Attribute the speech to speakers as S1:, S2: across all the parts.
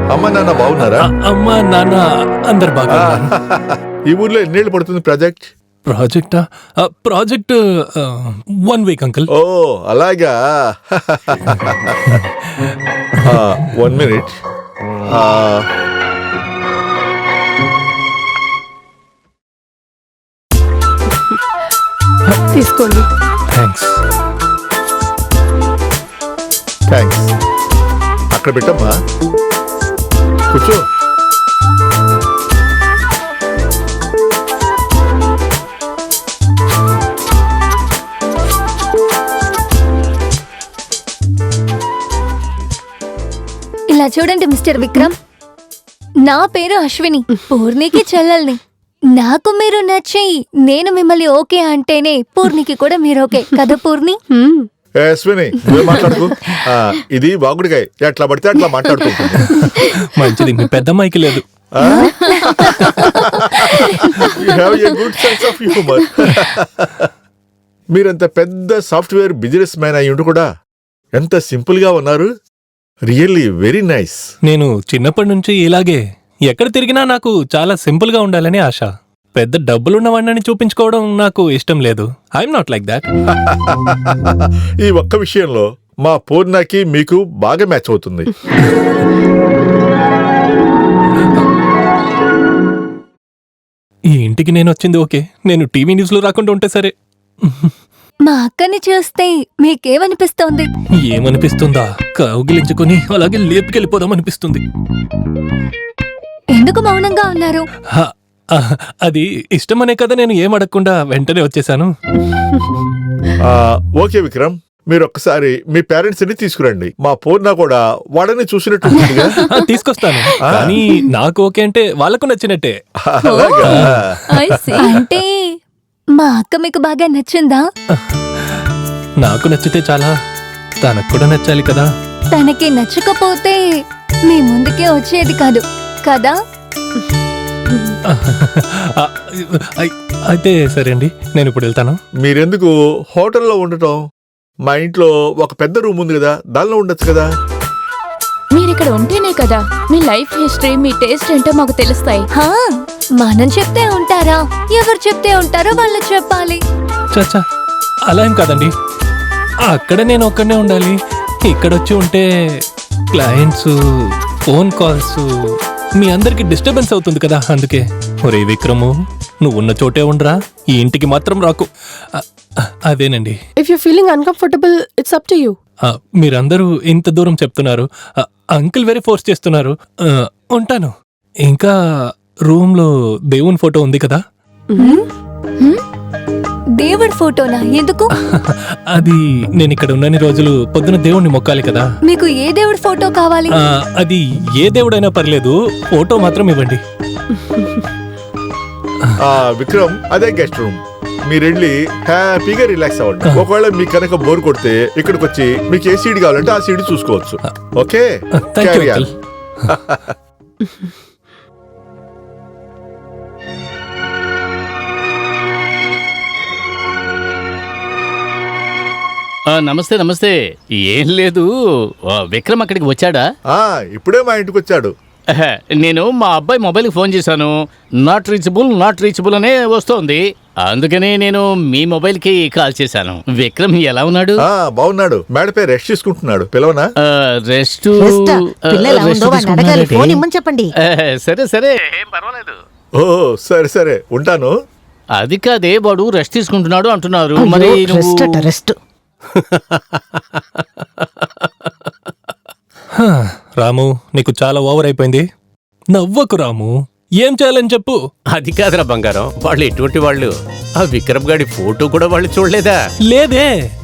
S1: అమ్మ నాన్న బాగున్నారా?
S2: అమ్మా నాన్న అందరు బాగా.
S1: ఈ ఊర్లో ఎన్నేళ్ళు పడుతుంది ప్రాజెక్ట్?
S2: ప్రాజెక్టా? Project 1 week uncle.
S1: ఓ అలాగా. 1 మినిట్.
S3: తీసుకోండి.
S2: థ్యాంక్స్.
S1: అక్కడ పెట్టమ్మా, కూర్చో.
S4: ఇలా చూడండి మిస్టర్ విక్రమ్, నా పేరు అశ్విని, పూర్ణికి చెల్లెల్ని. నాకు మీరు నచ్చి నేను మిమ్మల్ని ఓకే అంటేనే పూర్ణికి కూడా మీరు ఓకే కదా పూర్ణి?
S1: అశ్విని నువ్వే మాట్లాడుకో. ఇది బాగుడికాయ, ఎట్లా పడితే అట్లా మాట్లాడుకుంటుంది.
S2: మంచిది, మీ పెద్దమ్మాయికి లేదు.
S1: Good sense of humour. మీరంత పెద్ద సాఫ్ట్వేర్ బిజినెస్ మ్యాన్ అయ్యి ఉండి కూడా ఎంత సింపుల్ గా ఉన్నారు. Really very nice.
S2: నేను చిన్నప్పటి నుంచి ఇలాగే, ఎక్కడ తిరిగినా నాకు చాలా సింపుల్ గా ఉండాలని ఆశ. పెద్ద డబ్బులున్నవాడిని చూపించుకోవడం నాకు ఇష్టం లేదు. I'm not like that.
S1: ఈ ఒక్క విషయంలో మా పూర్ణకి మీకు బాగా మ్యాచ్ అవుతుంది.
S2: ఈ ఇంటికి నేను వచ్చింది ఓకే, నేను టీవీ న్యూస్ లో రాకుండా ఉంటే సరే.
S4: మా అక్కని చూస్తే మీకేమనిపిస్తోంది?
S2: ఏమనిపిస్తుందా? కౌగిలించుకుని అలాగే లేపుకెళ్ళిపోదాం అనిపిస్తుంది.
S4: ఎందుకు మౌనంగా ఉన్నారు?
S2: అది ఇష్టమనే కదా నేను ఏం అడగకుండా వెంటనే వచ్చేసాను.
S1: ఓకే విక్రమ్, మీరు ఒక్కసారి మీ పేరెంట్స్ ని తీసుకురండి. మా పూర్ణ కూడా వాడని చూసినట్టు.
S2: తీసుకొస్తాను, కానీ నాకు ఓకే అంటే వాళ్ళకు నచ్చినట్టే.
S4: అంటే మా అక్క మీకు బాగా నచ్చిందా?
S2: నాకు నచ్చితే చాలా, తనకు కూడా నచ్చాలి కదా.
S4: తనకి నచ్చకపోతే మీ ముందుకే వచ్చేది కాదు కదా?
S2: అయితే సరే అండి, నేను ఇప్పుడు వెళ్తాను.
S1: మీరెందుకు హోటల్లో ఉండటం? మా ఇంట్లో ఒక పెద్ద రూమ్ ఉంది కదా, దానిలో ఉండొచ్చు కదా.
S3: మీరిక్కడ ఉంటేనే కదా మీ లైఫ్ హిస్టరీ, మీ టేస్ట్ ఏంటో మాకు తెలుస్తాయి.
S4: మనం చెప్తే ఉంటారా? ఎవరు చెప్తే ఉంటారో వాళ్ళు చెప్పాలి.
S2: చచ్చా, అలా ఏం కాదండి. అక్కడ నేను ఒక్కడనే ఉండాలి, ఇక్కడొచ్చి ఉంటే క్లయింట్స్, ఫోన్ కాల్స్, మీ అందరికి డిస్టర్బెన్స్ అవుతుంది కదా. అందుకే ఒరే విక్రము, నువ్వున్న చోటే ఉండరా, ఈ ఇంటికి మాత్రం రాకు. అదేనండి.
S3: If you feeling uncomfortable, it's up to you.
S2: మీరందరూ ఇంత దూరం చెప్తున్నారు, అంకుల్ వెరీ ఫోర్స్ చేస్తున్నారు. ఉంటాను. ఇంకా రూమ్ లో దేవుని ఫోటో ఉంది కదా.
S4: దేవుడి ఫోటోనా? ఎందుకు?
S2: అది నేను ఇక్కడ ఉన్నన్ని రోజులు పొద్దున దేవుణ్ణి మొక్కాలి కదా.
S4: మీకు ఏ దేవుడి ఫోటో కావాలి?
S2: అది ఏ దేవుడైనా పర్లేదు, ఫోటో మాత్రం ఇవ్వండి.
S1: విక్రమ్, అదే గెస్ట్ రూమ్. మీరెళ్ళి హ్యాపీగా రిలాక్స్ అవ్వండి. ఒకవేళ మీకు కనుక బోర్ కొడితే ఇక్కడికి వచ్చి మీకు ఏ సీడ్ కావాలంటే ఆ సీడ్ చూసుకోవచ్చు. ఓకే,
S5: నమస్తే. నమస్తే. ఏం లేదు, విక్రమ్ అక్కడికి వచ్చాడా?
S1: ఇప్పుడే మా ఇంటికి వచ్చాడు.
S5: నేను మా అబ్బాయి మొబైల్కి ఫోన్ చేశాను, నాట్ రీచబుల్ అనే వస్తోంది. అందుకనే నేను మీ మొబైల్కి కాల్ చేశాను. విక్రమ్ ఎలా ఉన్నాడు?
S1: బాగున్నాడు, మేడపై రెస్ట్ తీసుకుంటున్నాడు. పిలవనా?
S5: రెస్ట్
S6: చెప్పండి.
S5: సరే సరే, ఏం పర్వాలేదు.
S1: ఓ సరే సరే, ఉంటాను.
S5: అది కాదే, వాడు రెస్ట్ తీసుకుంటున్నాడు అంటున్నారు. మరి
S6: రెస్ట్
S2: రాము, నీకు చాలా ఓవర్ అయిపోయింది. నవ్వకు రాము, ఏం చేయాలని చెప్పు.
S7: అది కాదురా బంగారం, వాళ్ళు ఎటువంటి వాళ్ళు? ఆ విక్రమ్ గాడి ఫోటో కూడా వాళ్ళు చూడలేదా?
S2: లేదే.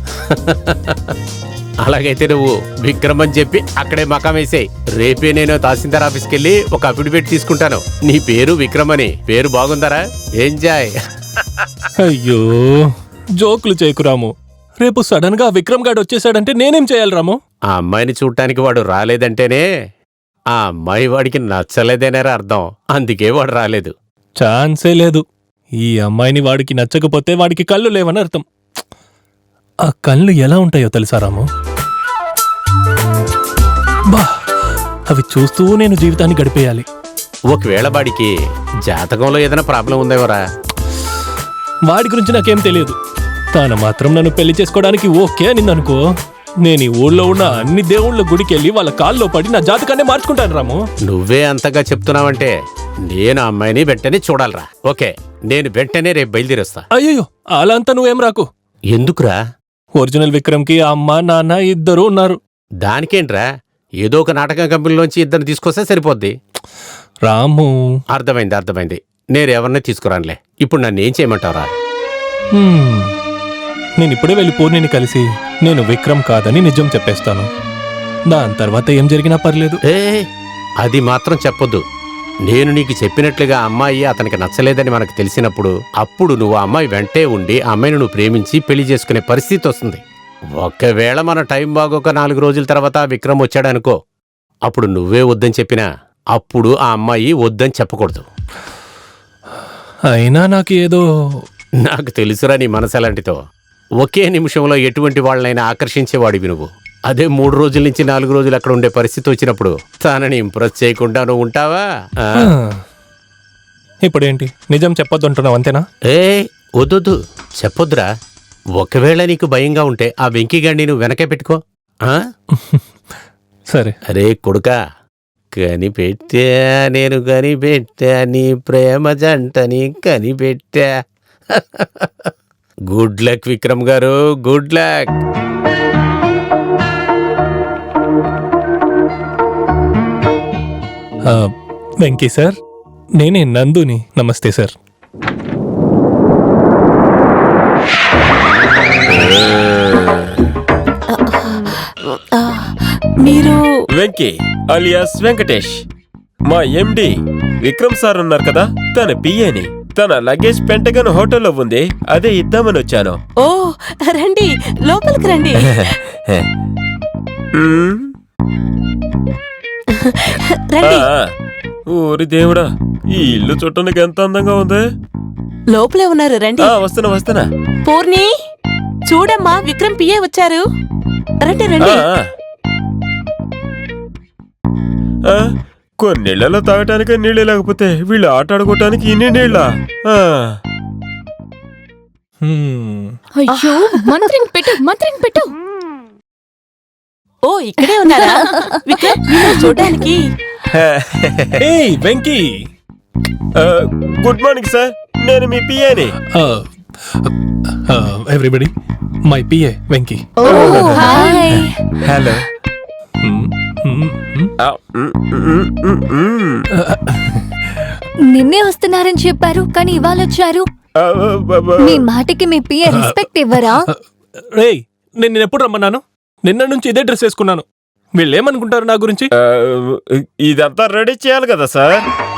S7: అలాగైతే నువ్వు విక్రమ్ అని చెప్పి అక్కడే మకాం వేసేయ్. రేపే నేను తహసీల్దార్ ఆఫీస్కి వెళ్ళి ఒక అఫిడవిట్ తీసుకుంటాను. నీ పేరు విక్రమ్ అని. పేరు బాగుందరా? ఎంజాయ్.
S2: అయ్యో, జోకులు చేయకు రాము. రేపు సడన్ గా విక్రమ్ గాడు వచ్చేసాడంటే నేనేం చేయాలి రాము?
S7: ఆ అమ్మాయిని చూడటానికి వాడు రాలేదంటేనే ఆ అమ్మాయి వాడికి నచ్చలేదనేరా అర్థం. అందుకే వాడు రాలేదు.
S2: ఛాన్సే లేదు. ఈ అమ్మాయిని వాడికి నచ్చకపోతే వాడికి కళ్ళు లేవని అర్థం. ఆ కళ్ళు ఎలా ఉంటాయో తెలుసా రాము? బా, అవి చూస్తూ నేను జీవితాన్ని గడిపేయాలి.
S7: ఒకవేళ వాడికి జాతకంలో ఏదైనా ప్రాబ్లం ఉందేమోరా?
S2: వాడి గురించి నాకేం తెలియదు. తాను మాత్రం నన్ను పెళ్లి చేసుకోవడానికి ఓకే అని అనుకో, నేను ఈ ఊళ్ళో ఉన్న అన్ని దేవుళ్ళ గుడికి వెళ్ళి వాళ్ళ కాల్లో పడి నా జాతకాన్ని మార్చుకుంటాను రాము.
S7: నువ్వే అంతగా చెప్తున్నావంటే నేను ఆ అమ్మాయిని వెంటనే చూడాలరా. ఓకే, నేను వెంటనే రేపు బయలుదేరొస్తా.
S2: అయ్యో అలా అంతా నువ్వేం రాకు.
S7: ఎందుకురా?
S2: ఒరిజినల్ విక్రమ్కి అమ్మ నాన్న ఇద్దరు ఉన్నారు.
S7: దానికేంట్రా, ఏదో ఒక నాటకం కంపెనీలోంచి ఇద్దరు తీసుకొస్తే సరిపోద్ది.
S2: రాము,
S7: అర్థమైంది. నేను ఎవరిని తీసుకురానులే. ఇప్పుడు నన్ను ఏం చేయమంటావురా?
S2: నేను ఇప్పుడే వెళ్ళి పూర్ణిని కలిసి నేను విక్రమ్ కాదని నిజం చెప్పేస్తాను. దాని తర్వాత ఏం జరిగినా పర్లేదు.
S7: ఏ, అది మాత్రం చెప్పొద్దు. నేను నీకు చెప్పినట్లుగా అమ్మాయి అతనికి నచ్చలేదని మనకు తెలిసినప్పుడు అప్పుడు నువ్వు ఆ అమ్మాయి వెంటే ఉండి ఆ అమ్మాయిని నువ్వు ప్రేమించి పెళ్లి చేసుకునే పరిస్థితి వస్తుంది. ఒకవేళ మన టైం బాగోక 4 రోజుల తర్వాత విక్రమ్ వచ్చాడనుకో, అప్పుడు నువ్వే వద్దని చెప్పినా అప్పుడు ఆ అమ్మాయి వద్దని చెప్పకూడదు.
S2: అయినా నాకు ఏదో
S7: నాకు తెలుసురా నీ మనసు ఎలాంటిదో. ఒకే నిమిషంలో ఎటువంటి వాళ్ళనైనా ఆకర్షించేవాడివి నువ్వు. అదే 3 రోజుల నుంచి 4 రోజులు అక్కడ ఉండే పరిస్థితి వచ్చినప్పుడు తనని ఇంప్రెస్ చేయకుండా నువ్వు ఉంటావా?
S2: ఇప్పుడేంటి నిజం చెప్పొద్దు అంటున్నావు అంతేనా?
S7: ఏ వద్దు, చెప్పొద్దురా. ఒకవేళ నీకు భయంగా ఉంటే ఆ వెంకీగాడిని నువ్వు వెనకే పెట్టుకో.
S2: సరే.
S7: అరే కొడుకా, కనిపెట్టా నేను కనిపెట్టా నీ ప్రేమ జంటని కనిపెట్టా. Good luck Vikram garu, good luck.
S2: Venky sir, నేనే నందుని. నమస్తే సార్.
S6: మీరు
S8: వెంకీ అలియాస్ వెంకటేష్, మా ఎండి విక్రమ్ సార్ ఉన్నారు కదా, తన పిఏని. తన లగేజ్ పెంటగన్ హోటల్లో ఉంది, అదే ఇద్దామని వచ్చాను.
S6: ఓ రండి, లోపలికి రండి. రండి.
S8: ఊరి దేవుడా, ఈ ఇల్లు చుట్టానికి ఎంత అందంగా ఉంది.
S6: లోపలే ఉన్నారు, రండి.
S8: వస్తున్నా.
S6: పూర్ణి, చూడమ్మా, విక్రమ్ పిఏ వచ్చారు. రండి రండి.
S8: కొన్నిళ్లలో తాగటానికి నీళ్ళు లేకపోతే వీళ్ళు ఆట ఆడుకోవటానికి ఇన్ని నీళ్ళ.
S3: అయ్యో, మంత్రిని పెట్టు.
S6: ఓ ఇక్కడే ఉన్నారా విక్రమ్? మిమ్మల్ని చూడడానికి.
S2: ఏయ్ వెంకీ.
S8: గుడ్ మార్నింగ్ సార్, నేను మీ పిఏని.
S2: Everybody, my PA Venky.
S4: Hi.
S8: Hello.
S4: నిన్నే వస్తున్నారని చెప్పారు కానీ ఇవాళ వచ్చారు. మీ మాటకి మీ పిఏ రెస్పెక్ట్ ఇవ్వరా?
S2: రేయ్, నేను ఎప్పుడు రమ్మన్నాను? నిన్న నుంచి ఇదే డ్రెస్ వేసుకున్నాను. వీళ్ళేమనుకుంటారు నా గురించి?
S8: ఇదంతా రెడీ చేయాలి కదా సార్.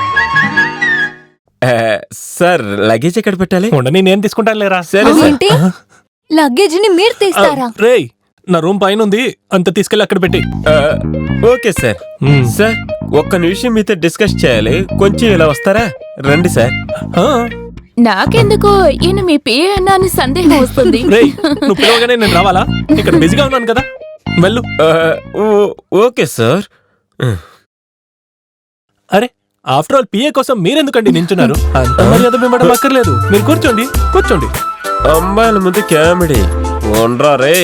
S8: సార్ లగేజ్ ఎక్కడ పెట్టాలి?
S2: ఉండని, నేను తీసుకుంటాను లేరా.
S8: సరే సార్.
S4: ఏంటి, లగేజ్ ని మీరు తీస్తారా?
S2: రేయ్, నా రూమ్ పైన ఉంది, అంత తీసుకెళ్ళి అక్కడ పెట్టి.
S8: Okay sir. సార్, ఒక్క నిమిషం మీతో డిస్కస్ చేయాలి, కొంచెం ఇలా వస్తారా? రండి సార్.
S3: నాకెందుకో ఈయన మీ పిఏ అన్నా అని సందేహం వస్తుంది.
S2: రేయ్, నువ్వు పిలవగానే నేను రావాలా? ఇక్కడ బిజీగా ఉన్నాను కదా, వెళ్ళు.
S8: Okay sir.
S2: అరే, ఆఫ్టర్ ఆల్ పిఏ కోసం మీరెందుకండి నించున్నారు? అంత మర్యాద మిమ్మడం అక్కర్లేదు, మీరు కూర్చోండి.
S8: అమ్మాయిల ముందు కామెడీ ఉండరా రే.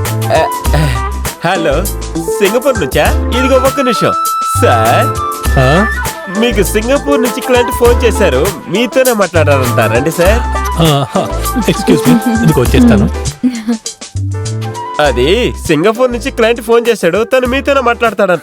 S8: హలో, సింగపూర్ నుంచా? ఇదిగో ఒక్క నిమిషం సార్. మీకు సింగపూర్ నుంచి క్లయింట్ ఫోన్ చేశారు, మీతోనే మాట్లాడారంట. రండి సార్.
S2: ఎక్స్క్యూజ్ మీ, ఇదిగో వచ్చేస్తాను.
S8: అది సింగపూర్ నుంచి క్లయింట్ ఫోన్ చేశాడు, తను మీతోనే మాట్లాడతాడంట.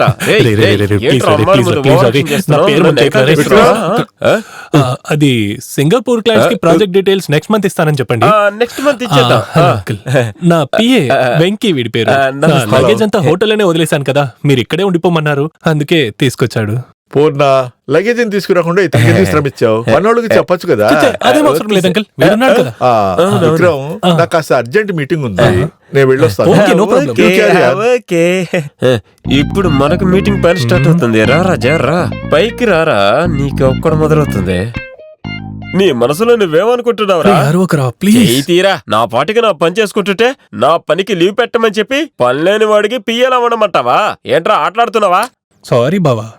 S2: అది సింగపూర్ క్లయింట్స్ కి ప్రాజెక్ట్ డీటెయిల్స్ నెక్స్ట్ మంత్ ఇస్తానని చెప్పండి.
S8: నెక్స్ట్ మంత్ ఇచ్చేద్దాం.
S2: నా పిఏ వెంకీ, వీడి పేరు. లగేజ్ అంతా హోటల్లోనే వదిలేశాను కదా, మీరు ఇక్కడే ఉండిపోమన్నారు, అందుకే తీసుకొచ్చాడు.
S1: పూర్ణ లగేజ్ తీసుకురాకుండా ఇతనికి శ్రమించావు, మనోళ్ళకి చెప్పొచ్చు కదా.
S2: అదేం అవసరం లేదు అంకల్, వీడున్నాడు కదా.
S1: విక్రమ్, నాకు కాస్త అర్జెంట్ మీటింగ్ ఉంది, నేను వెళ్ళొస్తాను.
S2: Okay, no problem.
S8: ఓకే, ఇప్పుడు మనకు మీటింగ్ పని స్టార్ట్ అవుతుంది. రా రాజా, రా పైకి రారా, నీకు ఒక్కడ మొదలవుతుంది. నీ మనసులో నువ్వేమనుకుంటున్నావురా? చెయ్యి తీరా. నా పాటికి నా పని చేసుకుంటుంటే నా పనికి లీవ్ పెట్టమని చెప్పి పనిలేని వాడికి పియ్యలా ఉండమంటావా? ఏంట్రా ఆటలాడుతున్నావా?
S2: సారీ బావా.